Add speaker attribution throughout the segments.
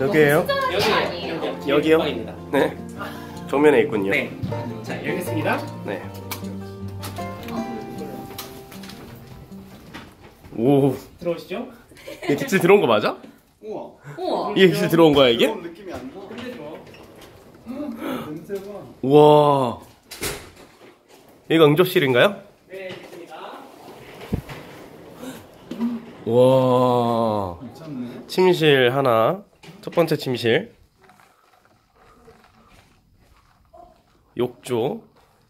Speaker 1: 여기에요? 여기요?
Speaker 2: 방입니다.
Speaker 1: 네. 정면에 있군요.
Speaker 2: 네. 자, 열겠습니다.
Speaker 1: 네. 오.
Speaker 2: 들어오시죠.
Speaker 1: 이게 깃을 들어온 거 맞아?
Speaker 3: 우와.
Speaker 4: 우와.
Speaker 1: 이게 깃을 들어온 거야 이게?
Speaker 3: 그런 느낌이 안 나.
Speaker 2: 근데 좋아.
Speaker 3: 냄새가.
Speaker 1: 우와. 여기가 응접실인가요?
Speaker 2: 네, 됐습니다.
Speaker 1: 와.
Speaker 3: 괜찮네.
Speaker 1: 침실 하나. 첫 번째 침실. 욕조.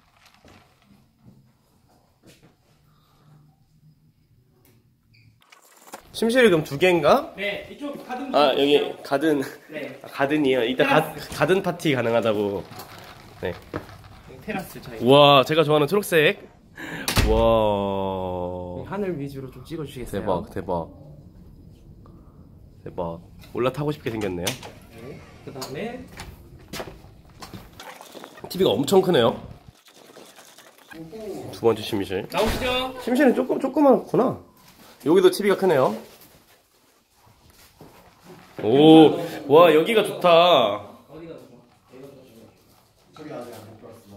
Speaker 1: 침실이 그럼 두 개인가?
Speaker 2: 네, 이쪽 가든.
Speaker 1: 아 여기 가든.
Speaker 2: 네.
Speaker 1: 아, 가든이에요. 이따 가든 파티 가능하다고. 네.
Speaker 2: 테라스 저희.
Speaker 1: 우와 제가 좋아하는 초록색. 와.
Speaker 2: 하늘 위주로 좀 찍어주시겠어요?
Speaker 1: 대박 대박 대박. 올라타고 싶게 생겼네요.
Speaker 2: 네. 그 다음에
Speaker 1: TV가 엄청 크네요. 두 번째 침실.
Speaker 2: 나오시죠.
Speaker 1: 침실은 조그맣구나. 여기도 TV가 크네요. 오, 와 여기가 좋다.
Speaker 2: 어디가 더 좋아? 여기가 더 좋아.
Speaker 3: 저기 아직 안 들어왔어.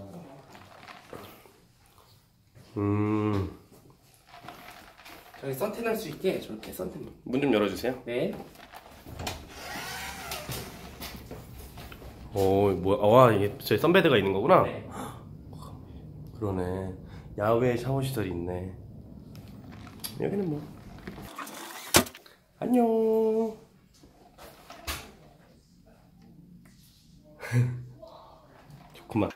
Speaker 2: 저기 선탠 할 수 있게 저렇게 선탠.
Speaker 1: 문 좀 열어주세요.
Speaker 2: 네.
Speaker 1: 오, 뭐야? 와 이게 저희 선베드가 있는 거구나.
Speaker 2: 네.
Speaker 1: 그러네. 야외 샤워 시설이 있네. 여기는 뭐 안녕. 좋구만.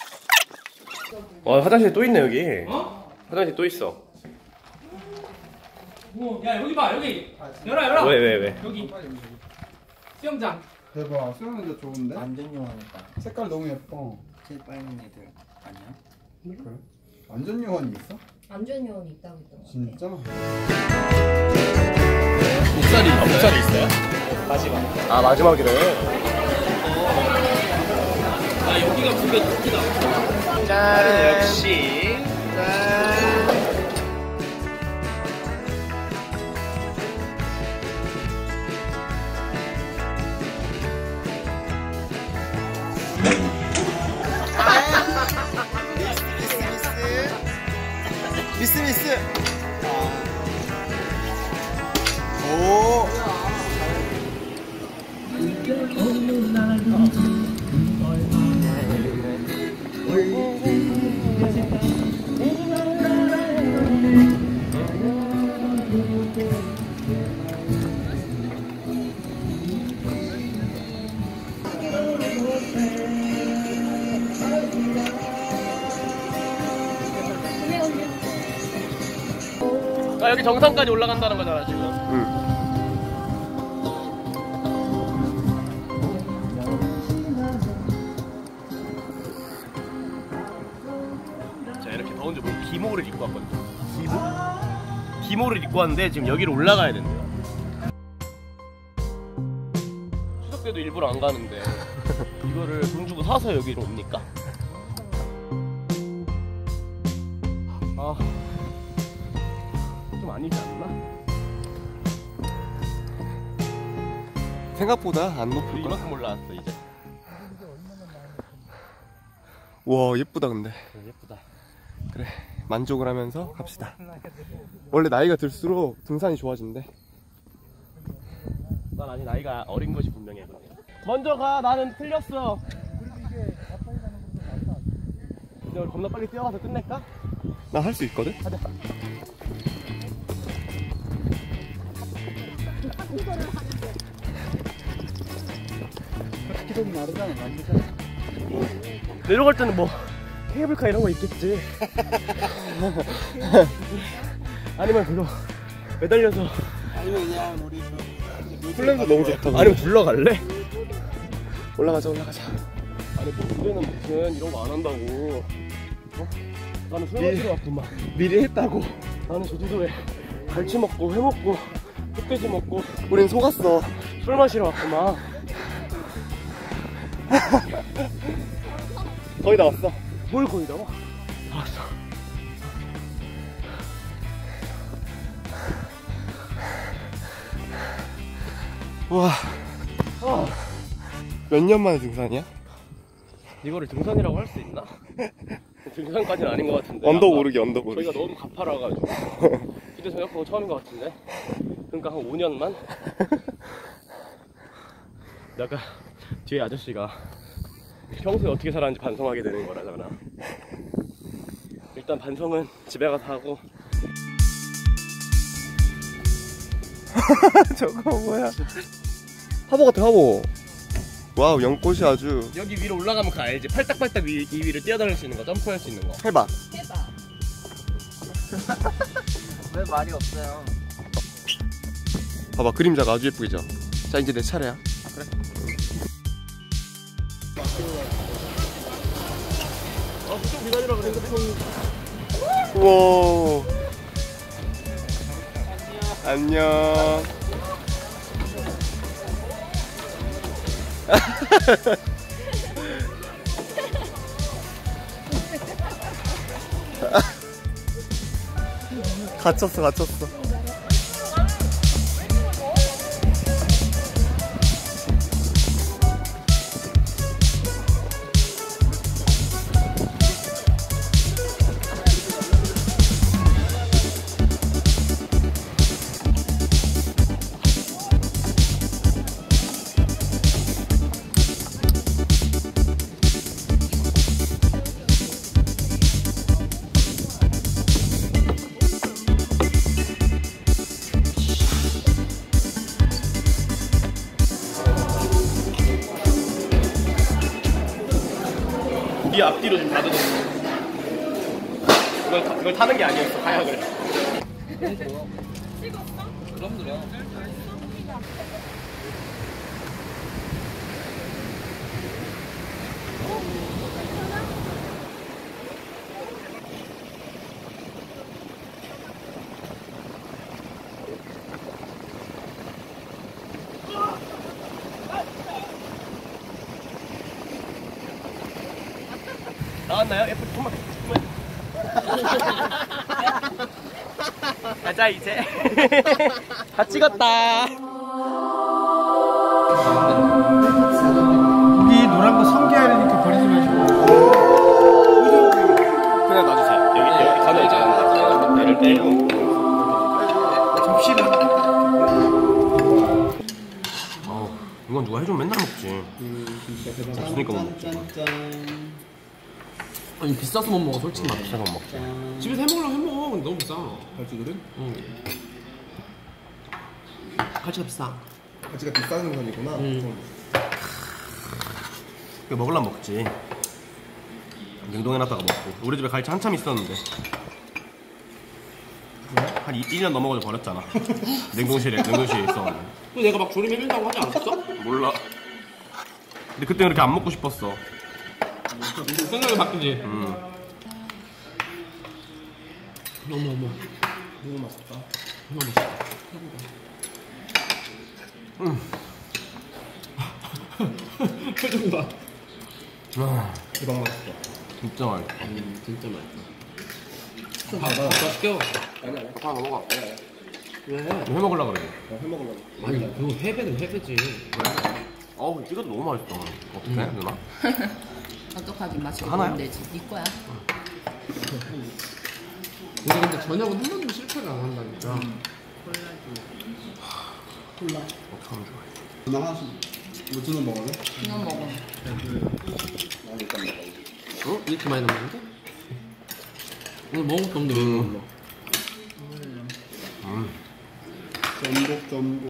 Speaker 1: 와 화장실 또 있네 여기.
Speaker 2: 어?
Speaker 1: 화장실 또 있어.
Speaker 2: 오, 야 여기 봐 여기. 열어.
Speaker 1: 왜?
Speaker 2: 여기. 수영장.
Speaker 3: 대박. 수영하는데 좋은데?
Speaker 5: 완전 요원이다.
Speaker 3: 색깔 너무 예뻐.
Speaker 5: 제일 빨간 애들 아니야?
Speaker 3: 그래? 완전 요원이 있어?
Speaker 4: 안전 요원이 있다고 했던 것 같아.
Speaker 3: 진짜?
Speaker 1: 목살이 있어요?
Speaker 2: 마지막.
Speaker 1: 아 마지막이래.
Speaker 2: 아 여기가 분명 크다.
Speaker 1: 짠. 역시.
Speaker 3: 미스. 오.
Speaker 1: 아 여기 정상까지 올라간다는 거잖아 지금. 자 이렇게 더운데 뭐 기모를 입고 왔거든요. 기모를 입고 왔는데 지금 여기로 올라가야 된대요. 추석 때도 일부러 안 가는데 이거를 돈 주고 사서 여기로 옵니까? 아. 좀 아니지 않나?
Speaker 3: 생각보다 안 높을 거야.
Speaker 1: 이만큼 올라왔어 이제.
Speaker 3: 와 예쁘다 근데.
Speaker 1: 예쁘다.
Speaker 3: 그래 만족을 하면서 갑시다. 원래 나이가 들수록 등산이 좋아진대.
Speaker 1: 난 아니 나이가 어린 것이 분명해. 먼저 가. 나는 틀렸어. 이제 우리 겁나 빨리 뛰어가서 끝낼까?
Speaker 3: 나 할 수 있거든.
Speaker 1: 가자.
Speaker 3: 기록이 나르잖아. 남자잖아.
Speaker 1: 내려갈 때는 뭐 케이블카 이런 거 있겠지. 아니면 그거 매달려서.
Speaker 3: 아니면 그냥 우리 플랜도 너무 좋다.
Speaker 1: 아니면 굴러갈래?
Speaker 3: 올라가자.
Speaker 1: 아니 뭐 우리는 무슨 이런 거 안 한다고. 어? 나는 술 마시러 왔구만.
Speaker 3: 미리 했다고.
Speaker 1: 나는 제주도에 갈치 먹고 회 먹고 흑돼지 먹고
Speaker 3: 우린 속았어.
Speaker 1: 술 마시러 왔구만.
Speaker 3: 거의 다 왔어.
Speaker 1: 뭘 거의 다 와? 다 왔어.
Speaker 3: 와.
Speaker 1: 아.
Speaker 3: 몇 년 만에 등산이야?
Speaker 1: 이거를 등산이라고 할 수 있나? 등산까지는 아닌 것 같은데.
Speaker 3: 언덕
Speaker 1: 아까
Speaker 3: 오르기, 언덕 오르기.
Speaker 1: 저희가 너무 가파라가지고. 근데 저녁하고 처음인 것 같은데. 그러니까 한 5년만? 약간 뒤에 아저씨가 평소에 어떻게 살았는지 반성하게 되는 거라잖아. 일단 반성은 집에 가서 하고.
Speaker 3: 저거 뭐야? 화보 같아, 화보. 와우, 연꽃이 아주.
Speaker 1: 여기 위로 올라가면 그 알지? 팔딱팔딱 이 위를 뛰어다닐 수 있는 거, 점프할 수 있는 거.
Speaker 3: 해봐.
Speaker 4: 해봐.
Speaker 5: 왜 말이 없어요?
Speaker 3: 봐봐, 그림자가 아주 예쁘죠? 자, 이제 내 차례야.
Speaker 1: 그래. 좀 기다리라 그래.
Speaker 3: 우와. 안녕. 갇혔어, 갇혔어.
Speaker 1: 네 앞뒤로 좀 가둬놓고. 그걸 타는 게 아니었어, 하약을.
Speaker 5: 그럼 그래.
Speaker 1: 나왔나요? 예쁘게 정말. 가자 이제. 다 찍었다.
Speaker 6: 여기 노란 거 성게알을 이렇게 버리지 마시고
Speaker 1: 그냥 놔주세요. 여기 가면 이제 얘를 빼고.
Speaker 6: 접시는
Speaker 1: 이건 누가 해주면 맨날 먹지. 없으니까 못 먹지.
Speaker 2: 아니 비싸서 못 먹어 솔직히 말해.
Speaker 1: 비싸서 못 먹지.
Speaker 2: 집에서 해먹으려면 해먹어. 근데 너무 비싸.
Speaker 6: 갈치들은
Speaker 2: 응. 갈치가 비싸.
Speaker 6: 갈치가 비싼 생선이구나.
Speaker 1: 이거 먹으려면 먹지. 냉동해놨다가 먹고. 우리 집에 갈치 한참 있었는데 한 1년 넘어가지고 버렸잖아. 냉동실에 있어가지고.
Speaker 2: 근데 내가 막 조림 해준다고 하지 않았어?
Speaker 1: 몰라. 근데 그때 그렇게 안 먹고 싶었어.
Speaker 2: 생각이 바뀌지. 어머
Speaker 6: 너무 맛있다.
Speaker 2: 너무 맛있다. 표정 봐.
Speaker 6: 대박 맛있다.
Speaker 1: 진짜 맛있어.
Speaker 2: 진짜 맛있다.
Speaker 6: 좀 받아.
Speaker 2: 더 시켜.
Speaker 6: 아니 아니.
Speaker 2: 하나 먹어. 왜?
Speaker 1: 해 먹으려고 그래.
Speaker 6: 해 먹으려고.
Speaker 2: 아니 그거 회배는 회배지.
Speaker 1: 어우, 찍어도 너무 맛있어. 어떡해, 누나?
Speaker 4: 어떡하긴 맛이
Speaker 1: 하나요?
Speaker 4: 없는데 네 거야.
Speaker 2: 우리 근데 저녁은 한 번도 실패를 안 한다니까.
Speaker 6: 콜라.
Speaker 1: 참 좋아해.
Speaker 6: 누나 하나씩. 뭐 주는 먹을래?
Speaker 4: 그냥 먹어.
Speaker 2: 어? 이렇게 많이 남았는데? 오늘 먹은 것도 없는데 왜 이거 몰라?
Speaker 6: 전복 전복.